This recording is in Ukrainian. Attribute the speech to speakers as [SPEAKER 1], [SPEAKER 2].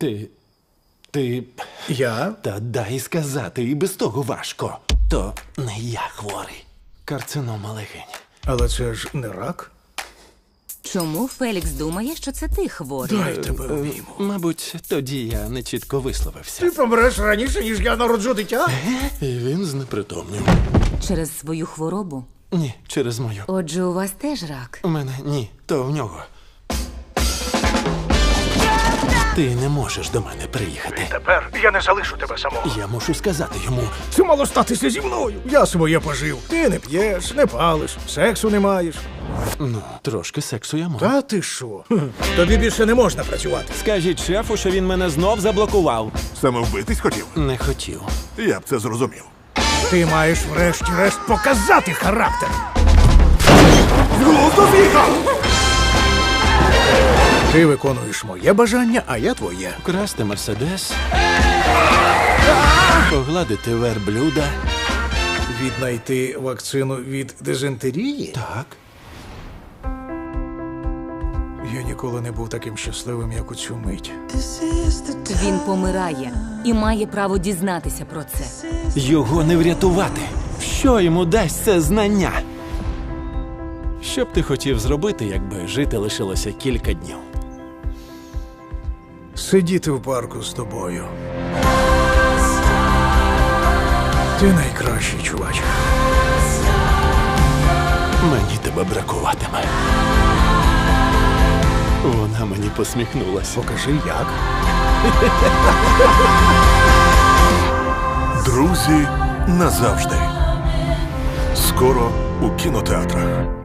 [SPEAKER 1] Ти...
[SPEAKER 2] Я?
[SPEAKER 1] Та дай сказати, і без того важко. То не я хворий. Карцинома легень.
[SPEAKER 2] Але це ж не рак.
[SPEAKER 3] Чому Фелікс думає, що це ти хворий?
[SPEAKER 2] Дай тебе обійму.
[SPEAKER 1] Мабуть, тоді я не чітко висловився.
[SPEAKER 2] Ти помреш раніше, ніж я народжу дитя?
[SPEAKER 1] І він знепритомнів.
[SPEAKER 3] Через свою хворобу?
[SPEAKER 1] Ні, через мою.
[SPEAKER 3] Отже, у вас теж рак.
[SPEAKER 1] У мене ні, то в нього. Ти не можеш до мене приїхати.
[SPEAKER 2] Тепер я не залишу тебе самого.
[SPEAKER 1] Я мушу сказати йому.
[SPEAKER 2] Це мало статися зі мною. Я своє пожив. Ти не п'єш, не палиш, сексу не маєш.
[SPEAKER 1] Ну, трошки сексу я можу.
[SPEAKER 2] Та ти що? Тобі більше не можна працювати.
[SPEAKER 4] Скажіть шефу, що він мене знов заблокував.
[SPEAKER 5] Саме вбитись хотів?
[SPEAKER 1] Не хотів.
[SPEAKER 5] Я б це зрозумів.
[SPEAKER 2] Ти маєш врешті-решт показати характер.
[SPEAKER 5] З глузду з'їхав!
[SPEAKER 2] Ти виконуєш моє бажання, а я твоє.
[SPEAKER 1] Красти мерседес. Погладити верблюда.
[SPEAKER 2] Віднайти вакцину від дизентерії?
[SPEAKER 1] Так.
[SPEAKER 2] Я ніколи не був таким щасливим, як у цю мить.
[SPEAKER 3] Він помирає і має право дізнатися про це.
[SPEAKER 1] Його не врятувати. Що йому дасть це знання? Що б ти хотів зробити, якби жити лишилося кілька днів?
[SPEAKER 2] Сидіти в парку з тобою. Ти найкращий, чувач.
[SPEAKER 1] Мені тебе бракуватиме. Вона мені посміхнулася.
[SPEAKER 2] Покажи, як.
[SPEAKER 5] Друзі назавжди. Скоро у кінотеатрах.